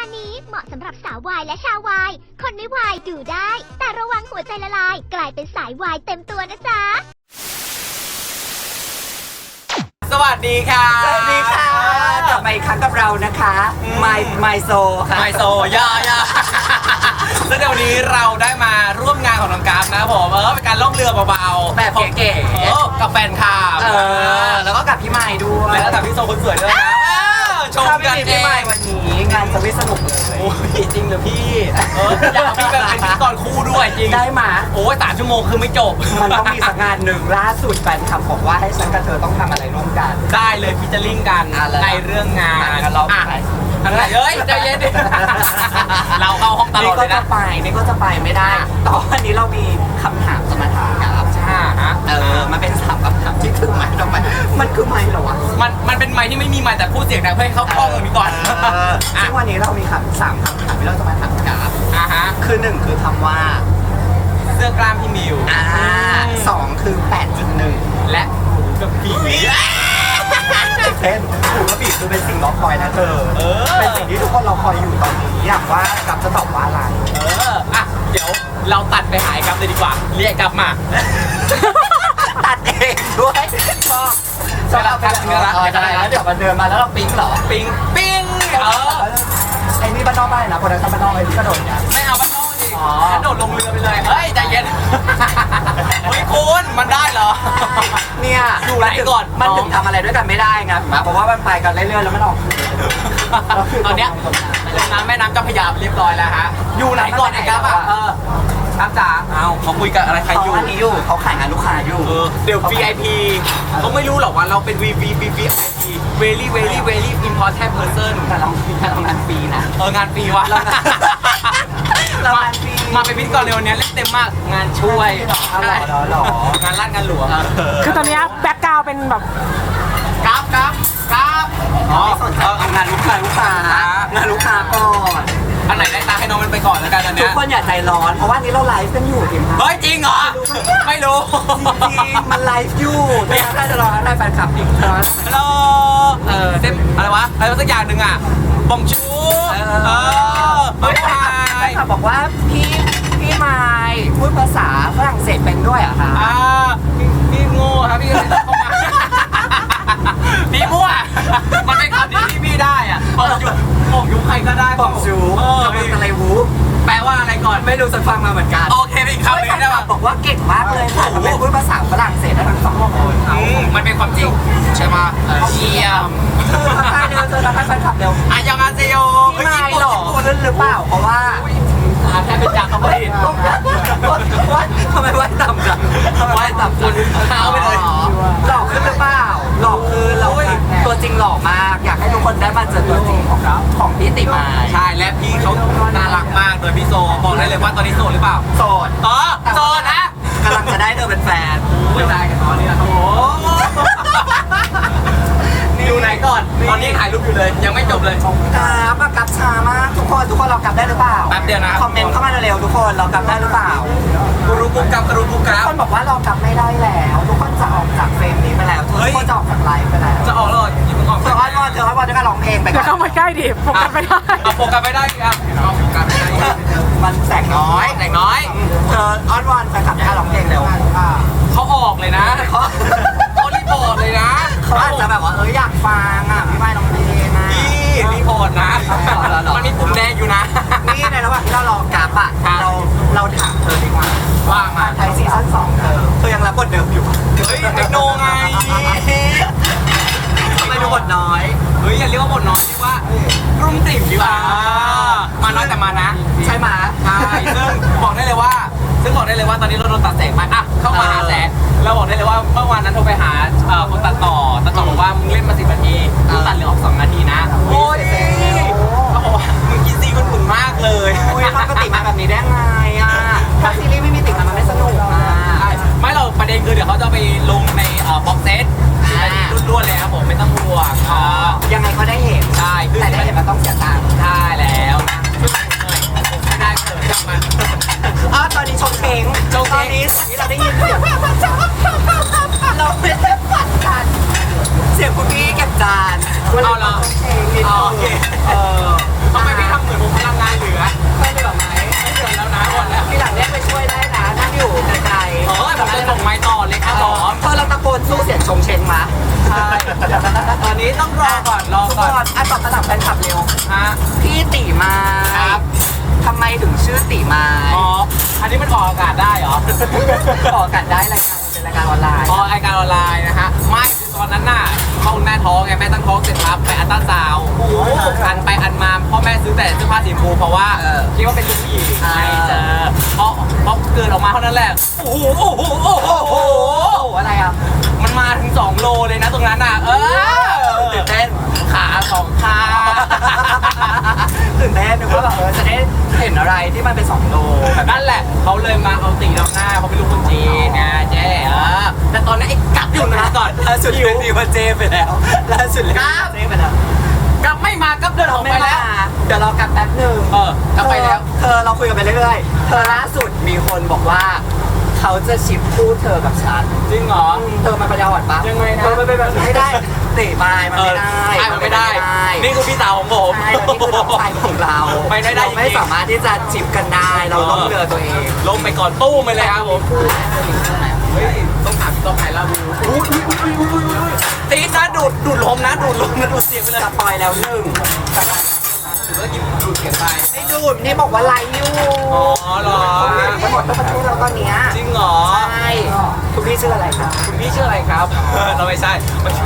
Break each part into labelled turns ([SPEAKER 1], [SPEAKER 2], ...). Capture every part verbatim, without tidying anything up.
[SPEAKER 1] การนี้เหมาะสำหรับสาววายและชาววาย คนไม่วายดูได้ แต่ระวังหัวใจละลาย กลายเป็นสายวายเต็มตัวนะจ๊ะ
[SPEAKER 2] สวัสดีค่ะ
[SPEAKER 3] สวัสดีค่ะกลับมาอีกครั้งกับเรานะคะ My My So ค่ะ
[SPEAKER 2] ไมโซย่าย่าซึ่งในวันนี้เราได้มาร่วมงานของน้องกราฟนะครับผมเออเป็นการล่องเรือเบาๆ
[SPEAKER 3] แบบเก๋ๆ
[SPEAKER 2] เออกับแฟนคลับ
[SPEAKER 3] เออแล้วก็กับพี่ไม้ด้วย
[SPEAKER 2] แล้วกับพี่โซคนสวยด้วยนะเออชม
[SPEAKER 3] ถ้าไม่
[SPEAKER 2] กัน
[SPEAKER 3] มี
[SPEAKER 2] เอ
[SPEAKER 3] พี่
[SPEAKER 2] ง
[SPEAKER 3] ไม้วันนี้งานจะไม่สนุกเลย
[SPEAKER 2] โอ้ยจริงเหรอพี่เอออยากมีแบบเป็นพิธีกรคู่ด้วยจริง
[SPEAKER 3] ได้มา
[SPEAKER 2] โอ้ยสามชั่วโมงคือไม่จบ
[SPEAKER 3] มันต้องมีสักงานหนึ่งล่าสุดแฟนคลับบอกว่าให้ฉันกับเธอต้องทำอะไรร่วมกัน
[SPEAKER 2] ได้เลยพิจาริงกัน
[SPEAKER 3] อ่ะแล้ว
[SPEAKER 2] ในเรื่องงาน
[SPEAKER 3] งั้นเรา
[SPEAKER 2] อ่ะ
[SPEAKER 3] ไป
[SPEAKER 2] อะไรเอ้ยใจเย็นดิ เราเข้าห้องตล
[SPEAKER 3] นี่
[SPEAKER 2] อด
[SPEAKER 3] ก็
[SPEAKER 2] เลย
[SPEAKER 3] จะ
[SPEAKER 2] นะ
[SPEAKER 3] ไปนี่ก็จะไปไม่ได้แตอนนี้เรามีคำถามจะมาถามกับ
[SPEAKER 2] ใช่ฮะ
[SPEAKER 3] เออมันเป็นสามคำถามที่คือไม้ทำไมมันคือไม้เหรอวะ
[SPEAKER 2] มันมันเป็นไมค์ที่ไม่มีไมค์แต่พูดเสียงดังเพื่อให้เขาคล่องตรงนี้ก่อน
[SPEAKER 3] เออ
[SPEAKER 2] อ่ะ
[SPEAKER 3] ซึ่งวันนี้เรามีคำสามคำถามที่เราจะมาถามกับ
[SPEAKER 2] อ่ะฮะ
[SPEAKER 3] คือหนึ่งคือคำว่า
[SPEAKER 2] เสื้อกล้ามพี่มิว
[SPEAKER 3] อ่าสองคือแปดจุดหนึ่ง
[SPEAKER 2] และหมูกับปี
[SPEAKER 3] เช่นถือว่าบีบคือเป็นสิ่งรอคอยนะเธอ
[SPEAKER 2] เออ
[SPEAKER 3] เป็นสิ่งที่ทุกคนรอคอยอยู่ตอนนี้อยากว่ากับจะตอบว่าอะไร
[SPEAKER 2] เอออ่ะเดี๋ยวเราตัดไปหายกลับเลยดีกว่า เรียกกลับมา
[SPEAKER 3] ตัดเองด้วยชอบ
[SPEAKER 2] ใช่แล้วครับ
[SPEAKER 3] เออเออได้แล้วเดี๋ยวมันเดินมาแล้วเราปิ๊งเหรอ
[SPEAKER 2] ปิ้งปิ้งเออ
[SPEAKER 3] ไอ้นี่บ้านนอกบ้านนะคนนั้นก็บ้านนอกไอ้นี่กระโดดเนี่ย
[SPEAKER 2] ไม่เอาบ้านนอกดิ
[SPEAKER 3] อ๋อ
[SPEAKER 2] กระโดดลงเรือไปเลยเฮ้ยใจเย็น เฮ้ยคุณมันได้เหรอ
[SPEAKER 3] เนี่ย
[SPEAKER 2] อยู่ไหนก่อน
[SPEAKER 3] มันถึงทำอะไรด้วยกันไม่ได้ไงเพราะว่ามันไปกันเรื่อยๆแล้วมันออก
[SPEAKER 2] ตอนเนี้ยลงน้ำแม่น้ำเจ้าพระยาเรียบร้อยแล้วฮะ อยู่ไหนก่อนไอ้กั๊บอ่ะ เออครับจ๋าเอาเขาคุยกับอะไรใคร
[SPEAKER 3] เขา
[SPEAKER 2] อยู่
[SPEAKER 3] อันนี้อยู่เขาขายงานลูกค้าอยู่
[SPEAKER 2] เออเดี๋ยว วี ไอ พี เขาไม่รู้หรอกว่าเราเป็น วี วี วี วี ไอ พี very very very important person
[SPEAKER 3] แต่เราแต่เรางานฟรีนะ
[SPEAKER 2] เอองานฟรีวะ
[SPEAKER 3] เรางานเรา
[SPEAKER 2] มาง
[SPEAKER 3] านฟรี
[SPEAKER 2] มาเป็นพิธีกรในวันนี้เล่นเต็มมาก งานช่วย
[SPEAKER 3] หรอหรอหรอหรอง
[SPEAKER 2] านลาดงานหลวง
[SPEAKER 4] คือตอนเนี้ยแบ็กกราวด์เป็นแบบ
[SPEAKER 2] กราฟกราฟกราฟอ๋อ
[SPEAKER 3] ไม่สนใจเอางานลูกค้าลูกค้างานลูกค้าก่อน
[SPEAKER 2] อันไหนได้ตาให้น้องมันไปก่อนแล้วกันอัน
[SPEAKER 3] ทุ
[SPEAKER 2] เนี้
[SPEAKER 3] ก
[SPEAKER 2] ย
[SPEAKER 3] คนอย่าใจร้อน เพราะว่านี้เราไลฟ์กันอยู่ทีม
[SPEAKER 2] เฮ้ยจริงเหรอ ไม่รู้
[SPEAKER 3] จริงมันไลฟ์อยู่ไม่งั้นได้จะรอได้แฟนคลับอีกครั้ง
[SPEAKER 2] ฮัลโหลเออเต็มอะไรวะ อะไรสักอย่างหนึ่งอ่ะบองชู
[SPEAKER 3] เอ
[SPEAKER 2] เออ
[SPEAKER 3] อ
[SPEAKER 2] เฮ้ย
[SPEAKER 3] แฟ
[SPEAKER 2] ไฮ
[SPEAKER 3] นคลับบอกว่าพี่พี่ไมค์พูดภาษาฝรั่งเศสเป็นด้วยเหรอะคะ
[SPEAKER 2] อ่าพี่พี่โง่ครับพี่ก็เลยต้องเข้ามา พี่มั่ว มันเป็นคำที่พี่พี่ได้อ่ะบอกอยู่บอกอยู่ใครก็ได้
[SPEAKER 3] บองจู
[SPEAKER 2] เออ
[SPEAKER 3] ทำเป็นอะไรวู
[SPEAKER 2] แปลว่าอะไรก่อน
[SPEAKER 3] ไม่รู้จะฟังมาเหมือนกัน
[SPEAKER 2] โอเคเป็นอีกคำหนึง
[SPEAKER 3] แฟน
[SPEAKER 2] ได้
[SPEAKER 3] คลั
[SPEAKER 2] ป่ะ
[SPEAKER 3] บบอกว่าเก่งมากเลยค่ะทำเป็นพูดภาษาฝรั่งเศสได้ทั้งสองคน
[SPEAKER 2] อืมมันเป็นความจริงใช่ไหมเยี่ยม
[SPEAKER 3] เธอทักทายเร็วเธอทักทายแฟนคลับเร็ว
[SPEAKER 2] อายองอาเซโย
[SPEAKER 3] พี่ไมค์หรอขึ้นหรือเปล่าเพราะว่า
[SPEAKER 2] อ่าแค่เป็นจากเขาไม่ผิด
[SPEAKER 3] ทำไมไหว้ต่ำจังทำไมไหว้ต่ำจัง
[SPEAKER 2] เท้าไปเลย
[SPEAKER 3] หลอกขึ้นหรือเปล่าหลอกคือเราตัวจริงหล่อมาก อยากให้ทุกคนได้มาเจอตัวจริงของเราของพี่ติมา
[SPEAKER 2] ใช่และพี่เขาน่ารักมากโดยพี่โซบอกได้เลยว่าตอนนี้โสดหรือเปล่า
[SPEAKER 3] โสด
[SPEAKER 2] อ๋อโสดนะ
[SPEAKER 3] กำลังจะได้เธอเป็นแฟน
[SPEAKER 2] ไม่ได้กันตอนนี้นะโอ้โหดูไหนก่อน ตอนนี้ถ่ายรูปอยู่เลย ยังไม่จบเลย
[SPEAKER 3] กราฟอะกราฟช้ามากทุกคนทุกคนเรากลับได้หรือเปล่า
[SPEAKER 2] แป๊บเดียวนะ
[SPEAKER 3] คอมเมนต์เข้ามาเร็วๆทุกคนเรากลับได้หรือเปล่า
[SPEAKER 2] กูรู้กุ๊กกับกรูกุ๊กค
[SPEAKER 3] ทุ
[SPEAKER 2] รั
[SPEAKER 3] ก
[SPEAKER 2] บ
[SPEAKER 3] คนบอกว่าเรากลับไม่ได้แล้ว ทุกคนจะออกจากเฟรมนี้ไปแล้วทุก
[SPEAKER 2] เฮ้ย
[SPEAKER 3] คนจะออกจากไลฟ์ไปแล้ว
[SPEAKER 2] จะออกแล้วอย่าเพิ่งออก
[SPEAKER 3] เธออ้อนวอนเธออ้อนวอนด้วยการร้องเพลงไป
[SPEAKER 4] เดี๋
[SPEAKER 3] ก่
[SPEAKER 4] ยวเข้า
[SPEAKER 3] อน
[SPEAKER 4] มาใกล้ดิผมกันไม่ได้
[SPEAKER 2] เอาโฟกัสไม่ได้ครับเอาโฟกัสไม่ได้
[SPEAKER 3] มันแสงน้อย
[SPEAKER 2] แต่น้อย
[SPEAKER 3] เธออ้อนวอนแฟนคลับให้ร้องเพลงเร็ว
[SPEAKER 2] เขาออกเลยนะ
[SPEAKER 3] เขา
[SPEAKER 2] เขารีพอร์ตเลยนะ
[SPEAKER 3] เขาอาจจะแบบว่าเอออยากฟังอ่ะพี่ไม้ร้องเพลงนะ
[SPEAKER 2] พี่รีพอร์ตนะ มันมีปุ่มแดงอยู่นะ
[SPEAKER 3] นี่ในระหว่างที่เรารอกราฟอ่ะ
[SPEAKER 2] ครับ
[SPEAKER 3] เราเราถามเธอดีกว่า
[SPEAKER 2] ว่ามา
[SPEAKER 3] ไทยซีซั่นสองเธอเธอยังรับบทเดิมอยู่
[SPEAKER 2] เฮ้ยเทคโนไง
[SPEAKER 3] ทำไมดูบทน้อย
[SPEAKER 2] เฮ้ยอย่าเรียกว่าบทน้อยเรียกว่ากรุ่มติ่มดีกว่ามาน้อยแต่มานะ
[SPEAKER 3] ใช่ไหม
[SPEAKER 2] ใช่ซึ่งบอกได้เลยว่า ซึ่งบอกได้เลยว่าตอนนี้เราโดนตัดแสงไปอ่ะเข้ามาหาแสงแล้วบอกได้เลยว่าเมื่อวานนั้นโทรไปหาเอ่อคนตัดต่อตัดต่อบอกว่ามึงเล่นมาสิบนาทีมึงตัดเหลือออกสองนาทีนะโอ้ยเขาบอกว่ามึงกินซีมันขุ่นมากเลย
[SPEAKER 3] โอ้ยปกติมาแบบนี้ได้ไงอ่ะถ้าซีรีส์ไม่มีติดมันมันไม่สนุกอ่ะ
[SPEAKER 2] ใช่ไม่เราประเด็นคือเดี๋ยวเขาจะไปลงในเอ่อบ็อกเซตเป็นรุ่นๆเลยครับผมไม่ต้องห่วงอ่า
[SPEAKER 3] ยังไงก็ได้เห็น
[SPEAKER 2] ใช่คือ
[SPEAKER 3] แต่ได้เห็นมันต้องเสียตังค์
[SPEAKER 2] ใช่แล้วนะไม่ได้เกิดจากมัน
[SPEAKER 3] อ๋อตอนนี้ชงเชง
[SPEAKER 2] ชงเชง
[SPEAKER 3] ตอนนี้สิ่งที่เราได้ยินเสียงเราไม่ได้ฝันกันเสียงคุณพี่เก็บจาน
[SPEAKER 2] เอาเหรอ
[SPEAKER 3] ชงเชงนิด
[SPEAKER 2] อ๋อ
[SPEAKER 3] นึ
[SPEAKER 2] โอง เคเออทำไมพี่ทำเหมือนก่อนรอ
[SPEAKER 3] ทุก
[SPEAKER 2] ก่อน
[SPEAKER 3] คนอ่ะตอบคำถามแฟนคลับเร็ว
[SPEAKER 2] ฮะ
[SPEAKER 3] พี่ตีไม้
[SPEAKER 2] ครับ
[SPEAKER 3] ทำไมถึงชื่อตีไม้
[SPEAKER 2] อ๋ออันนี้มันออกอากาศได้เหรอ
[SPEAKER 3] ออกกันได้รายการเป็นรายการออนไลน์
[SPEAKER 2] ออกรายการออนไลน์นะฮะไม่คือตอนนั้นน่ะพ่อคุณแม่ท้องไงแม่ตั้งท้องเสร็จปั๊บไปอัลตราซาวด์อันไปอันมาพ่อแม่ซื้อแต่เสื้อผ้าสีชมพูเพราะว่าคิดว่าเป็นลูกผู้หญิงไม่เจอพอพอเกิดออกมาเท่านั้นแหละโอ้โหโอ้โหโอ้โห
[SPEAKER 3] โอ้โหอะไรอ่ะ
[SPEAKER 2] มันมาถึงสองโลเลยนะตรงนั้นน่ะเออ
[SPEAKER 3] ตื่นเต้น
[SPEAKER 2] ขาสองขา
[SPEAKER 3] ตื่นเต้นนึกว่าแบบเออจะได้เห็นอะไรที่มันเป็นสองโล
[SPEAKER 2] แบบนั่นแหละเขาเลยมาเอาตีนำหน้าเขาเป็นลูกคนจีนนะเจ๊เออแต่ตอนนี้ไอ้กัดอยู่นะก่อน
[SPEAKER 3] ล่าสุดเล่นดีว่าเจไปแล้วล่าสุดเล่นเจไปแล้ว
[SPEAKER 2] กลับไม่มากับเดินออกไปแล้ว
[SPEAKER 3] เดี๋ยวรอกลับแป๊บหนึ่ง
[SPEAKER 2] เออกลับไปแล้ว
[SPEAKER 3] เธอเราคุยกันไปเรื่อยๆเธอล่าสุดมีคนบอกว่าเขาจะชิปคู่เธอกับฉัน
[SPEAKER 2] จริงเหรอ
[SPEAKER 3] เธอมันปัญญาอ่อนปะ
[SPEAKER 2] ยังไงนะ
[SPEAKER 3] เธอมันเป็นแบบไม่ได้ตีไม้มัน
[SPEAKER 2] เอ
[SPEAKER 3] ไม่
[SPEAKER 2] อ
[SPEAKER 3] ได้
[SPEAKER 2] ใช่มันไม่ได้ นี่คือพี่สาวของผม
[SPEAKER 3] ใช่แล้วนี่คือน้องชายของเรา
[SPEAKER 2] ไม่ได้ได้จริงๆ
[SPEAKER 3] เราไม่สามารถที่จะจิบกันได้เราต้องเลือกตัวเอง
[SPEAKER 2] ลงไปก่อนตู้ไปเลยครับผมเฮ้ยต้องถามต้องหายแล้วอุ้ยอุ้ยอุ้ยอุ้ยอุ้ยตีนะดูดดูดลมนะดูดลมนะดูดเสียงไปเลย
[SPEAKER 3] สปอยแล้วหนึ่ง
[SPEAKER 2] ถือว่ากินดูดเสียงไป
[SPEAKER 3] ไม่ดูดนี่บอกว่าไลฟ์อยู่
[SPEAKER 2] อ๋อเหรอ
[SPEAKER 3] ทั้งหมดทั้งประเทศเราตอนเนี้ย
[SPEAKER 2] จริงเหรอ
[SPEAKER 3] ใช่คุณพี่ชื่ออะไรครับ
[SPEAKER 2] คุณพี่ชื่ออะไรครับเราไม่ใช่ไม่ใช่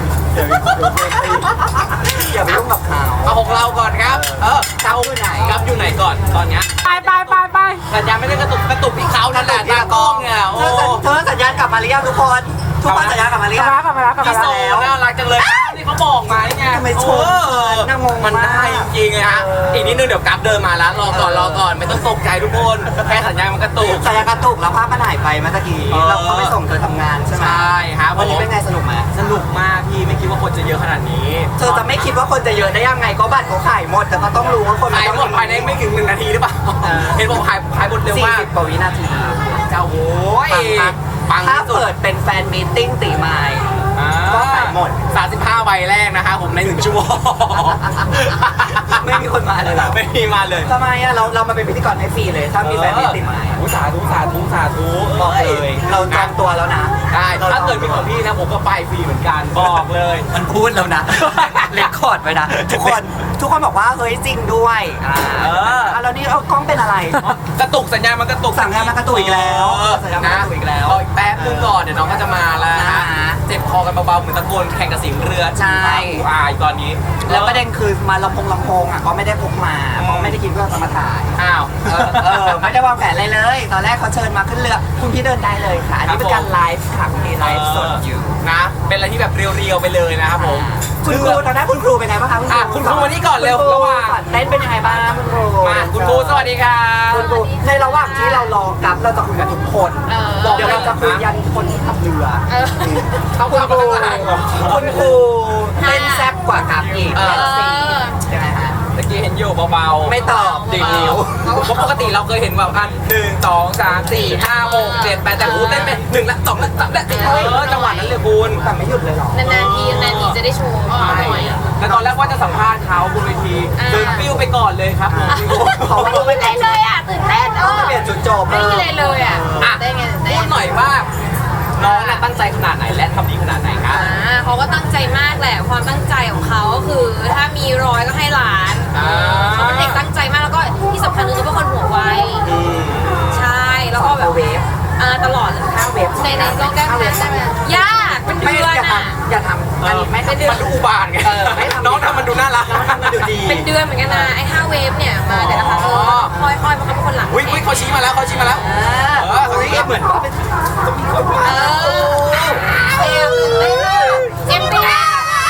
[SPEAKER 3] อย่าไปยุ่งกับเขา
[SPEAKER 2] เอาของเราก่อนครับ เออ
[SPEAKER 3] เขาอยู่ไหน
[SPEAKER 2] ครับอยู่ไหนก่อนตอนเนี้ย
[SPEAKER 4] ไปไปไปไป
[SPEAKER 2] สัญญาณไม่ได้กระตุกกระตุกที่เขานั่นแหละตากล้องเนี่ยโอ้
[SPEAKER 3] เธอสัญญาณกลับมาหรือยังทุกคน ทุกคนสัญญาณกลับมาหรื
[SPEAKER 4] ก
[SPEAKER 3] อ
[SPEAKER 4] ลั
[SPEAKER 3] ยั
[SPEAKER 4] บ
[SPEAKER 3] ง
[SPEAKER 4] มาแล้วกลับมาแล้วกลับ
[SPEAKER 2] พี่
[SPEAKER 4] มา
[SPEAKER 2] โซ
[SPEAKER 4] แล้ว
[SPEAKER 2] น่ารักจังเลยนี่เขาบอกมานี่ไง
[SPEAKER 3] ทำไมชม
[SPEAKER 2] เออ
[SPEAKER 3] น่างง
[SPEAKER 2] มัน
[SPEAKER 3] มาก
[SPEAKER 2] ได้จริงๆเลยฮะอีกนิดนึงเดี๋ยวกราฟเดินมาแล้วรอก่อนรอก่อนไม่ต้องตกใจทุกคนแค่สัญญาณมันกระตุก
[SPEAKER 3] สัญญาณกระตุกแล้วภาพมันหายไปเมื่อกี้
[SPEAKER 2] เออ
[SPEAKER 3] เราเขาไปส่งเธอทำงานใช่ไหม
[SPEAKER 2] ใช่ครับ
[SPEAKER 3] วันนี้
[SPEAKER 2] ผม
[SPEAKER 3] เป็นไงสนุกไหม
[SPEAKER 2] สนุกมากพี่ไม่คิดว่าคนจะเยอะขนาดนี้
[SPEAKER 3] เธอจะไม่คิดว่าคนจะเยอะได้ยังไงก็บัตรเขาขายหมดแต่ก็ต้องรู้ว่าคน
[SPEAKER 2] ขายหมดภายในไม่ถึงหนึ่งนาทีหรือเปล่าเห็นบอกขายขายหมดเร็ว
[SPEAKER 3] สี่
[SPEAKER 2] มาก
[SPEAKER 3] สิบกว่าวินาที
[SPEAKER 2] เจ้าโว้ย
[SPEAKER 3] ปัง
[SPEAKER 2] ปัง
[SPEAKER 3] ถ้า
[SPEAKER 2] ที่สุด
[SPEAKER 3] เปิดเป็นแฟนมีตติ้งตีไม้ ก็ขายหมด
[SPEAKER 2] สามสิบห้าใบแรกนะคะผมในหนึ่งชั่วโมง
[SPEAKER 3] ไม่มีคนมาเลยเหรอ
[SPEAKER 2] ไม่มีมาเลย
[SPEAKER 3] ทำไมอะเราเรามาเป็นพิธีกรให้ฟรีเลย ถ้ามีแฟนมีตติ้งไม้
[SPEAKER 2] อุตสาธุสาธุสาธุ
[SPEAKER 3] บอกเลย เราจองตัวแล้วนะ
[SPEAKER 2] ได้ถ้าเกิดมีของพี่นะผมก็ไปฟรีเหมือนกันบอกเลย
[SPEAKER 3] มันพูดแล้วนะ เรคคอร์ดไว้นะ ทุกคนทุกคนบอกว่าเฮ้ยจริงด้วยอ่า
[SPEAKER 2] เออ
[SPEAKER 3] อ่ะแล้วนี่เอากล้องเป็นอะไร
[SPEAKER 2] กระตุกสัญญาณมันกระตุก
[SPEAKER 3] สัญญาณมันกระตุกอีกแล้ว
[SPEAKER 2] เออ
[SPEAKER 3] สัญญาณมันกระตุกอีกแล้ว
[SPEAKER 2] รออีกแป๊บนึงก่อนเดี๋ยวน้องก็จะมาแล้ว
[SPEAKER 3] นะ
[SPEAKER 2] เจ็บคอกันเบาๆเหมือนตะโกนแข่งกับเสิงเรือ
[SPEAKER 3] ใช่
[SPEAKER 2] อายตอนนี้
[SPEAKER 3] แล้วประเด็นคือมาลำโพงลำโพงอ่ะก็ไม่ได้พกมาเพราะไม่ได้คิดว่าจะมาถ่าย
[SPEAKER 2] อ้าว
[SPEAKER 3] เออเออไม่ได้วางแผนอะไรเลย ตอนแรกเขาเชิญมาขึ้นเรือ คุณพี่เดินได้เลยค่ะ อันนี้เป็นการไลฟ์ค่ะคุณพี่ไลฟ์สดอยู่
[SPEAKER 2] นะ เป็นอะไรที่แบบเรียวๆไปเลยนะครับผม
[SPEAKER 3] คุณครูตอนนั้นคุณครูเป็นไงบ้างคะคุณครู
[SPEAKER 2] อ่ะคุณครูวันนี้ก่อนเร็ว
[SPEAKER 3] คุณค
[SPEAKER 2] ระหว่าง
[SPEAKER 3] สอนเต้นเป็นยังไงบ้างคุณครู
[SPEAKER 2] มาคุณครูสวัสดีครับ
[SPEAKER 3] คุณครูในระหว่างที่เรารอกับเราจะคุยกับทุกคน
[SPEAKER 1] เออ
[SPEAKER 3] บอกเดี๋ยวเราจะคุยยันคนที่ขับเรือ
[SPEAKER 1] เออ
[SPEAKER 2] เขา
[SPEAKER 3] คุณ
[SPEAKER 2] เข้า
[SPEAKER 3] ครู
[SPEAKER 2] มาตั้งแต่ไหนเหรอ
[SPEAKER 3] คุณครูเต้นแซ่บกว่ากับอีก
[SPEAKER 2] เออ
[SPEAKER 3] เต้นซียังไงฮะ
[SPEAKER 2] เมื่อกี้เห็นอยู่เบาๆ
[SPEAKER 3] ไม่ตอบ
[SPEAKER 2] ดีนิ้วเพราะปกติเราเคยเห็นแบบอันหนึ่งสองสามสี่ห้าหกเจ็ดแปดแต่ครูเต้นเป็นหนึ่งละสองละสามละสี่เออจังหวะนั้นเลยคุณ
[SPEAKER 3] แต่ไม่หยุดเลยเหรอ
[SPEAKER 1] นานๆทีนานๆทีจะได้โชว์
[SPEAKER 2] ใช่แล้วตอนแรกว่าจะสัมภาษณ์เขาบนเวทีเดินปิ้วไปก่อนเลยครับผม
[SPEAKER 3] เพราะว่า
[SPEAKER 1] ตื่นเต้นเลยอ่ะตื่นเต้นเออ
[SPEAKER 3] เปลี่ยนจุดจบ
[SPEAKER 1] ไม่มีอะไรเลยอ่ะ
[SPEAKER 2] อ่ะ
[SPEAKER 1] ได้ไงได้
[SPEAKER 2] พูดหน่อยว่าน้องน่ะตั้งใจขนาดไหนและทำดีขนาดไหนครับ
[SPEAKER 5] อ่าเขาก็ตั้งใจมากแหละความตั้งใจของเขาก็คือถ้ามีร้อยก็ให้ล้าน
[SPEAKER 2] อ่า
[SPEAKER 5] เขาเป็นเด็กตั้งใจมากแล้วก็ที่สำคัญคือเขาเป็นคนหัวไวใช่แล้วก็แบบ
[SPEAKER 3] เวฟ
[SPEAKER 5] อ่าตลอดเลย
[SPEAKER 3] ห้าเวฟ
[SPEAKER 5] ในในโลกแก้วนั้นได้ไหมยากเป็น
[SPEAKER 3] ไม่
[SPEAKER 5] เดือน
[SPEAKER 3] อย่า
[SPEAKER 5] อ่ะ
[SPEAKER 3] ทำอย่าทำอันนี้ไม่
[SPEAKER 2] มัน
[SPEAKER 3] ทำ
[SPEAKER 2] มันดูอุบาทไง
[SPEAKER 3] เออไม่ทำ
[SPEAKER 2] น้องทำมันดูน่ารัก
[SPEAKER 3] น้องทำมันดูดี
[SPEAKER 5] เป็นเดือนเหมือนกันนะไอ้ห้าเวฟเนี่ยมาแต่ละครั้งเออค่อยๆเพราะเขาเป็นคนหลัง
[SPEAKER 2] อุ้ยอุ้ยเขาชี้มาแล้วเขาชี้มาแล้ว
[SPEAKER 3] เออเออเฮ้ยเหมือนว่าเป็น
[SPEAKER 5] เออเอวตื่นเต้นมากเจ็บไปแล้ว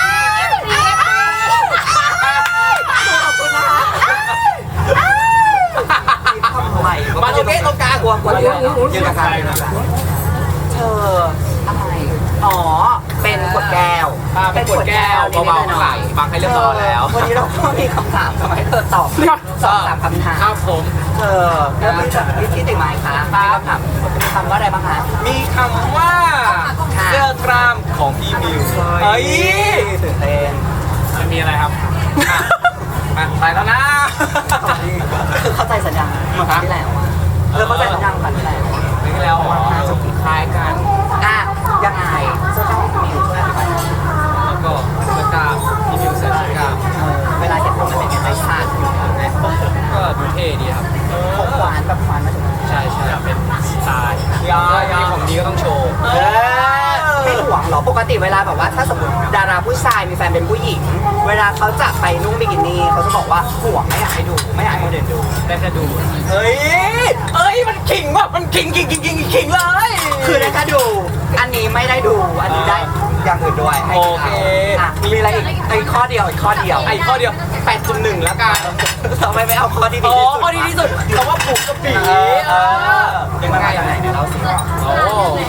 [SPEAKER 3] ขอบคุณนะคะทำไม
[SPEAKER 2] มาตรงนี้ตรงกลาง
[SPEAKER 3] กลัวกลัวยืนยืนกับใครเธออะไรอ๋อเป็นขวดแก้ว
[SPEAKER 2] อ่าเป็นขวดแก้วเบาๆข้างหลังบังให้เรียบร้อยแล้ว
[SPEAKER 3] วันนี้เราก็มีคำถามทำไมเธอตอบสองสามคำถาม
[SPEAKER 2] ครับผม
[SPEAKER 3] เธอเริ่มจากวิธีติดไม้คะมีคำถามคำว่าอะไรบ้างคะ
[SPEAKER 2] มีคำว่าเสื้อกล้ามของพี่มิวเฮ้ย
[SPEAKER 3] ตื่นเต้น
[SPEAKER 2] มันมีอะไรครับอ่ะอ่ะไปแล้วนะ
[SPEAKER 3] คือเข้าใจสัญญาเมื่อครั้งที่แล้วเออเข้าใจสัญญาครั้งที่แล้ว
[SPEAKER 2] นี่แล้วอ๋อคล้ายกัน
[SPEAKER 3] อ่ะยังไงเสื้อกล้ามของมิวช่วยอธิบายหน่อย
[SPEAKER 2] แล้วก็เสื้อกล้ามพี่
[SPEAKER 3] ติเวลาแบบว่าถ้าสมมติดาราผู้ชายมีแฟนเป็นผู้หญิง เวลาเขาจะไปนุ่งบิกินี่เขาจะบอกว่าห่วงไม่อยากให้ดูไม่อยากให้คนอื่นดู
[SPEAKER 2] ได้แค่ดูเฮ้ยเอ้ยมันขิงว่ะมันขิงขิงขิงขิงขิงเลย
[SPEAKER 3] คือได้แค่ดู อันนี้ไม่ได้ดู อันนี้ได้อย่างอื่นด้วยให้
[SPEAKER 2] โอ
[SPEAKER 3] ดู
[SPEAKER 2] เค
[SPEAKER 3] อ่ะมีอะไรอีกอีกข้อเดียวอีกข้อเดียว
[SPEAKER 2] ไอ้ข้อเดียวแปดจุดหนึ่งแล้วกัน
[SPEAKER 3] ทำไมไม่เอาข้อที่ดี
[SPEAKER 2] อ๋อ
[SPEAKER 3] ที่สุด
[SPEAKER 2] ข้อดีที่สุดคำว่าผูกกระบี่
[SPEAKER 3] เออเออ
[SPEAKER 2] ยังไง
[SPEAKER 3] ยังไงเดี๋ยวเราสิ
[SPEAKER 2] โอ้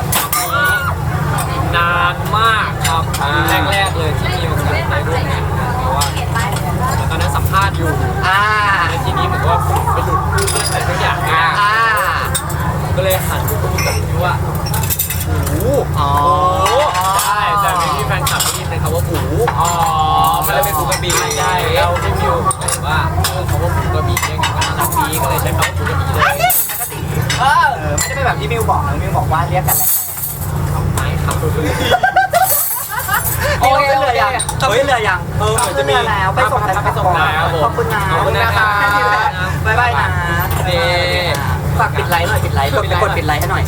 [SPEAKER 2] นานมากครับแรกๆเลยที่มีโอกาสได้ร่วมงานเพราะว่าตอนนั้นสัมภาษณ์อยู่
[SPEAKER 3] อ่า
[SPEAKER 2] ในทีนี้เหมือนว่าผมไปหลุดพูดอะไรสักอย่างมา
[SPEAKER 3] อ่า
[SPEAKER 2] ก็เลยหันไปพูดกับพี่ว่าหู
[SPEAKER 3] อ๋อ
[SPEAKER 2] ใช่แต่ไม่มีแฟนคลับที่เป็นคำว่าหูอ๋อมันเลยเป็นหูกระบี่ใช่แล้วพี่มิวก็เห็นว่าเออคำว่าหูกระบี่เนี่ยก็น่ารักดีก็เลยใช้คำว่าหูกระบี่เลย
[SPEAKER 3] เออไม่ได้เป็นแบบที่มิวบอกนะมิวบอกว่าเรียกกันแหละ
[SPEAKER 2] ไม่ครับ
[SPEAKER 3] โอเคขึ้นเรือยังต้องขึ้นเรือยัง
[SPEAKER 2] เออ
[SPEAKER 3] ต้องขึ้นเรือแล้วไปส่งแฟนคลับ
[SPEAKER 2] ไปส่ง
[SPEAKER 3] ก่อน
[SPEAKER 2] แล้ว
[SPEAKER 3] ขอบคุณนะ
[SPEAKER 2] ขอบคุณนะครับ
[SPEAKER 3] แค่นี้แหละบ๊ายบายนะ
[SPEAKER 2] เย้
[SPEAKER 3] ฝากปิดไลค์หน่อยปิดไลค์กดกดปิดไลค์ให้หน่อย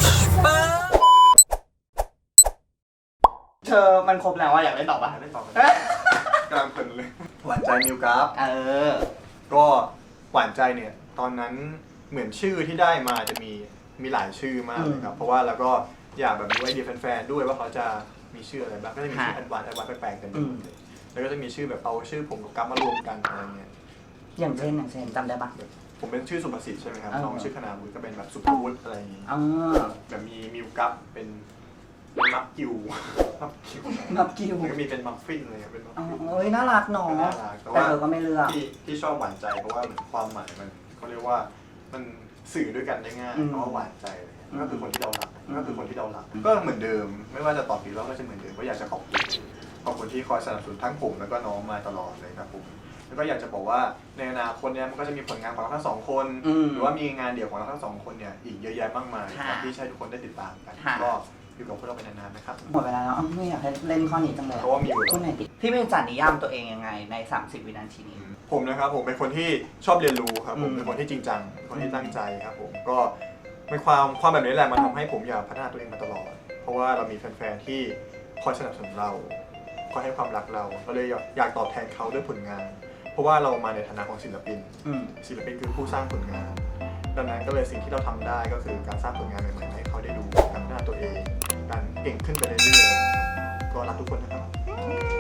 [SPEAKER 3] เธอมันครบแล้วว่าอยากเล่นต่อป่ะ
[SPEAKER 6] ไม่ตอบกำลังเพลินเลย หวานใจมิวกราฟ
[SPEAKER 3] เออ
[SPEAKER 6] ก็หวานใจเนี่ย ตอนนั้นเหมือนชื่อที่ได้มาจะมีมีหลายชื่อมากเลยครับ เพราะว่าแล้วก็อยากแบบมีไอเดียแฟนๆด้วยว่าเขาจะมีชื่ออะไรบ้างก็จะมีชื่อแอดวานซ์แอดวานซ์แปลกๆกันไปหมดเลยแล้วก็จะมีชื่อแบบเอาชื่อผมกับกราฟมารวมกันอะไรเงี้ย
[SPEAKER 3] อย่างเช่นอย่างเช่นจำได้ปะ
[SPEAKER 6] ผมเป็นชื่อสุภสิทธิ์ใช่ไหมครับ
[SPEAKER 3] เออ
[SPEAKER 6] น้องชื่อคณาวุฒิก็เป็นแบบสุภวุฒิอะไรอย่างงี้
[SPEAKER 3] อ๋อ
[SPEAKER 6] แบบมีมิวกราฟเป็นเป็นมัฟกิวมัฟกิว
[SPEAKER 3] มัฟกิว
[SPEAKER 6] แล้วก็มีเป็นมัฟฟินอะไรเงี้ยเป็นมัฟ
[SPEAKER 3] อ๋อ
[SPEAKER 6] ฟิน
[SPEAKER 3] เอ้ยน่ารักเนาะ
[SPEAKER 6] น่ารักแต่
[SPEAKER 3] แต่
[SPEAKER 6] ว่า
[SPEAKER 3] เธอก็ไม่เลือก
[SPEAKER 6] ที่ที่ชอบหวานใจเพราะว่าเหมือนความหมายมันเขาเรียกว่ามันสื่อด้วยกันได้ง่าย
[SPEAKER 3] อืม
[SPEAKER 6] เพราะว่าหวานใจอะไรเงี้ย
[SPEAKER 3] อืม
[SPEAKER 6] ก็คือคนที่เรารัก
[SPEAKER 3] อืม
[SPEAKER 6] ก็คือคนที่เรารักก็เหมือนเดิม ไม่ว่าจะตอบผิดเราก็จะเหมือนเดิมก็อยากจะขอบคุณขอบคุณที่คอยสนับสนุนทั้งผมแล้วก็น้องมาตลอดเลยครับผมแล้วก็อยากจะบอกว่าในอนาคตเนี่ยมันก็จะมีผลงานของเราทั้งสองคน
[SPEAKER 3] อืม
[SPEAKER 6] หรือว่ามีงานเดี่ยวของเราทั้งสองคนเนี่ยอีกเยอะแยะมากมาย
[SPEAKER 3] ค่ะ
[SPEAKER 6] ครับที่ใช้ทุกคนได้ติดตามกัน
[SPEAKER 3] ค่ะ
[SPEAKER 6] ก็อยู่กับพวกเราไปนานๆนะครับ
[SPEAKER 3] หมดเวลาแล้วอ้าวไม่อยากให้เล่นข้อนี้จังเลย
[SPEAKER 6] เพราะว่ามีอยู่
[SPEAKER 3] พูดหน่อยดิพี่เป็นจัดนิยามตัวเองยังไงในสามสิบวินาทีนี้
[SPEAKER 6] ผมนะครับผมเป็นคนที่ชอบเรียนรู้ครับผม
[SPEAKER 3] อืม
[SPEAKER 6] เป็นคนที่จริงจังเป็นคนที่ตั้งใจครับผมก็เป็นความความแบบนี้แหละมันทำให้ผมอยากพัฒนาตัวเองมาตลอด เพราะว่าเรามีแฟนๆที่คอยสนับสนุนเราคอยให้ความรักเราก็เลยอยากตอบแทนเขาด้วยผลงาน เพราะว่าเรามาในฐานะของศิลปิน
[SPEAKER 3] อืม
[SPEAKER 6] ศิลปินคือผู้สร้างผลงาน ดังนั้นก็เลยสิ่งที่เราทำได้ก็คือการสร้างผลงานใหม่ๆให้เขาได้ดูการพัฒนาตัวเองการเก่งขึ้นไปเรื่อยๆก็รักทุกคนนะครับ